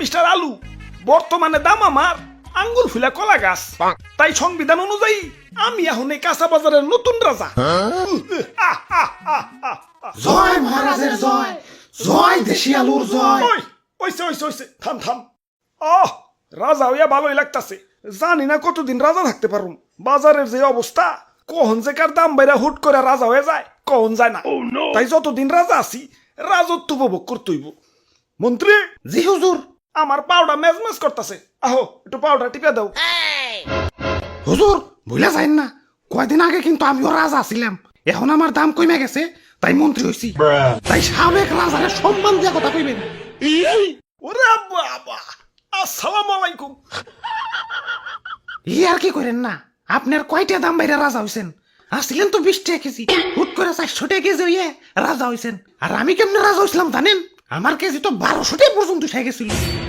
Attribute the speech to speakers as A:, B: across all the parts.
A: Mister আলু, বর্তমানে দাম আমার আঙ্গুর ফুলা কলা গাছ। তাই সংবিধান অনুযায়ী আমি এখন এই কাঁচা বাজারের নতুন রাজা।
B: জয় মহারাজের জয়, জয় দেশি আলুর জয়।
A: ওই ওইসে ওইসে ওইসে থাম থাম। রাজা হইয়া ভালোই লাগতাছে। জানি না কতদিন রাজা থাকতে পারুম। বাজারের যে অবস্থা, কখন যে কার দাম বাইরা হুট করে রাজা হয়ে যায় কখন যায় না। তাই যতদিন রাজা আছি রাজত্ব উপভোগ করতেইব। মন্ত্রী,
B: জি হুজুর।
A: আমার পাউডার মেজমেজ করতেছে, আহো একটু পাউডার টিপে দাও।
B: হুজুর ভুলে যাইন না, কয়দিন আগে কিন্তু আমিও রাজা ছিলাম, এখন আমার দাম কমে গেছে তাই মন্ত্রী হইছি। তাই সাবেক রাজারে সম্মান দিয়া কথা কইবেন।
A: ওরে বাবা, আসসালামু আলাইকুম।
B: ই আর কি করেন না, আপনার কয়টা দাম বাইরে রাজা হইছেন? আসছিলেন তো 20 টাকা কেজি, হুট করে 400 টাকা কেজি হইয়ে রাজা হইছেন। আর আমি কেমনে রাজা হইছিলাম জানেন? আমার কেজি তো 1200 টাকা পর্যন্ত উঠে গেছিল।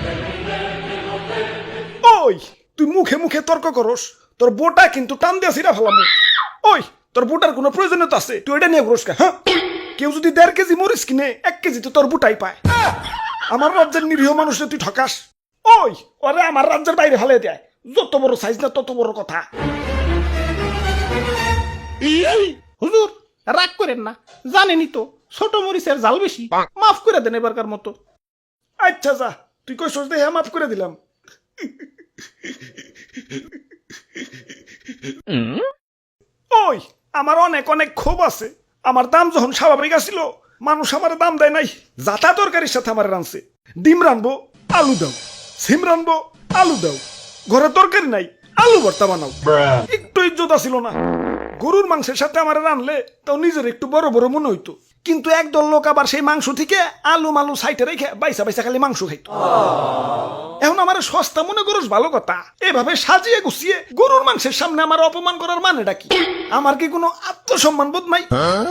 A: ওই তুই মুখে মুখে তর্ক করস, তোর বোটা কিন্তু টান দিয়া ছিড়া ফেলাম। ওই তোর বোটার কোনো প্রয়োজনীয়তা আছে? তুই এটা নিয়ে ঘুরস কা? হ্যাঁ, কেউ যদি 1.5 কেজি মরিচ কিনে 1 কেজি তো তোর বুটাই পায়। আমার রাজ্যের নিরীহ মানুষে তুই ঠকাস। ওই ওরে আমার রাজ্যের বাইরে ফেলে দেয়। যত বড় সাইজ না তত বড় কথা।
B: হুজুর রাগ করেন না, জানেনই তো ছোট মরিচের জাল বেশি, মাফ করে দেন এবারকার মতো।
A: আচ্ছা যা, তুই কই সোচ দেখে মাফ করে দিলাম। ওই আমার অনেক অনেক ক্ষোভ আছে। আমার দাম যখন স্বাভাবিক আসিল, মানুষ আমার দাম দেয় নাই। যাতা তরকারির সাথে আমার রানছে। ডিম রানবো, আলু দাও। সিম রানবো, আলু দাও। ঘরে তরকারি নাই, আলু ভর্তা বানাও। একটু ইজ্জত আসিল না। গরুর মাংসের সাথে আমার রানলে তাও নিজের একটু বড় বড় মনে হইতো। কিন্তু একদল লোক আবার সেই মাংস থেকে আলু মালু সাইটে রেখে বাইসা বাইসা খালি মাংস খাইতো। এখন আমার সস্তা মনে করস ভালো কথা, এভাবে সাজিয়ে গুছিয়ে গরুর মাংসের সামনে আমার অপমান করার মানেটা কি? আমার কি কোনো আত্মসম্মান বোধ নাই?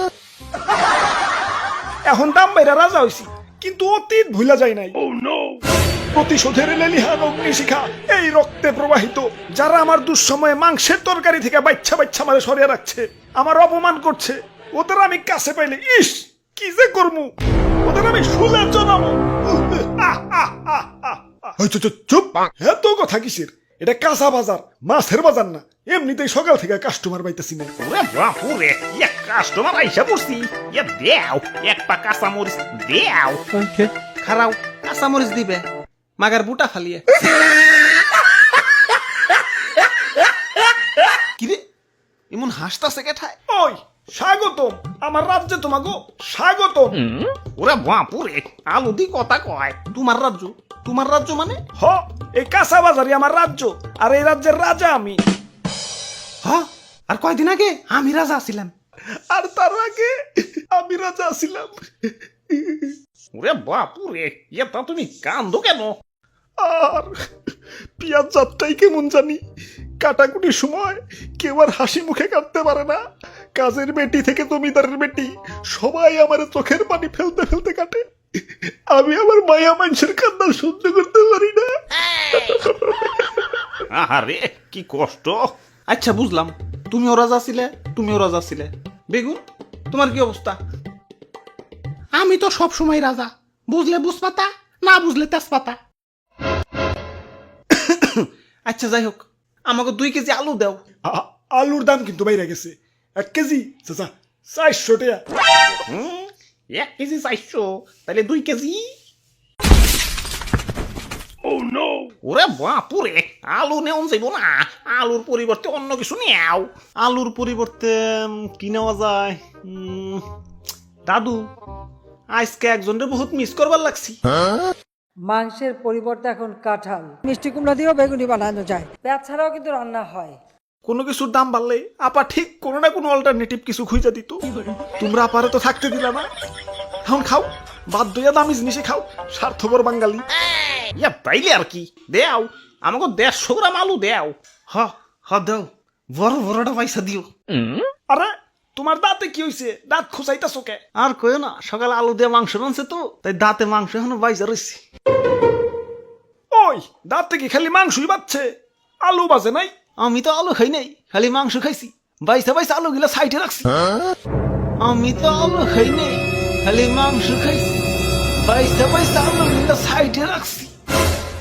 A: এখন দাম বাইরা রাজা হইছি, কিন্তু অতীত ভুলা যায় নাই। প্রতিশোধের লেলিহান অগ্নিশিখা এই রক্তে প্রবাহিত। যারা আমার দুঃসময়ে মাংসের তরকারি থেকে বাচ্চা বাচ্চা মারে সরিয়ে রাখছে, আমার অপমান করছে, ওদের আমি কাছে পাইলে ইস কি যে করমু, ওদের আমি শুলে জানাবো। চুপ, এত কথা কিসের? এটা কাঁচা বাজার, মাছের বাজার না। এমনিতেই সকাল থেকে কাস্টমার পাইতেছি না।
C: ওরে বাপুরে, এক কাস্টমার আইসা পড়ছি। ইয়া দেও এক পা কাঁচা মরিচ দেও।
B: খারাও কাঁচা মরিচ দিবে, মাগার বুটা ফালিয়ে। কিরে এমন হাসতাছে কেঠায়?
A: ওই স্বাগতম আমার রাজ্যে, তোমাকে স্বাগতম।
C: ওরে বাপুরে, আলু দি কথা কয়।
B: তোমার রাজ্য? তোমার রাজ্য মানে?
A: হ, এই কাঁচা বাজারই আমার রাজ্য, আর এই রাজ্যের রাজা আমি।
B: হ, আর কয়দিন আগে আমি রাজা ছিলাম।
A: আর তার আগে আমি রাজা ছিলাম।
C: ওরে বাপুরে, এটা তুমি কান্দো কেন?
A: আর পিয়াজ যাত্রাই কেমন জানি, কাটাকুটির সময় কেউ আর হাসি মুখে কাটতে পারে না। কাজের বেটি থেকে জমিদারের বেটি সবাই আমার চোখের পানি ফেলতে ফেলতে কাটে। আমি আমার মায়া মানুষের কান্না সহ্য করতে পারি না।
C: আরে কি কষ্ট।
B: আচ্ছা বুঝলাম, তুমিও রাজা ছিলে, তুমিও রাজা ছিলে। বেগুন তোমার কি অবস্থা? আমি তো সব সময় রাজা, বুঝলে বুঝপাতা, না বুঝলে তেজপাতা। আচ্ছা যাই হোক, আমাকে 2 কেজি আলু দাও।
A: আলুর দাম কিন্তু বাইরে গেছে। 1 কেজি চাচা 400 টাকা।
C: 1 কেজি 400, তাহলে 2 কেজি। ওরে বাপুরে, আলু নেওয়া যাইব না। আলুর পরিবর্তে অন্য কিছু নেও।
B: আলুর পরিবর্তে কি নেওয়া যায়? দাদু, আজকে একজনের বহুত মিস করবার লাগছি।
D: মাংসের পরিবর্তে এখন কাঁঠাল, মিষ্টি কুমড়া দিয়েও বেগুনি বানানো যায়। পেঁয়াজ ছাড়াও কিন্তু রান্না হয়।
A: কোনো কিছুর দাম বাড়লে আপা ঠিক কোনো না কোনো অল্টারনেটিভ কিছু খুঁজে দিত। তোমরা আপারে তো থাকতে দিলা না। এখন খাও, বাধ্য হইয়া দামি জিনিসে খাও, স্বার্থপর বাঙালি।
C: ইয়া তাইলে আর কি, দেও আমাকে 150 গ্রাম আলু দেও।
B: হ হ দাও, বড় বড়টা পয়সা দিও।
A: আরে তোমার দাঁতে কি হইছে? দাঁত খোঁচাইতাছো কে?
B: আর কইও না, সকালে আলু দিয়ে মাংস রানছে তো, তাই দাঁতে মাংস এখনো বাইজা রয়েছে।
A: ওই দাঁতে কি খালি মাংসই বাচ্ছে, আলু বাজে নাই?
B: আমি তো আলু খাই নাই, খালি মাংস খাইছি। বাইসা বাইসা আলু গিলা সাইডে রাখছি। আমি তো আলু খাই নাই, খালি মাংস খাইছি। বাইসা বাইসা আলু গিলা সাইডে রাখছি।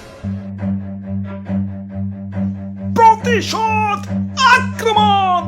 A: প্রতিশোধ আক্রমণ।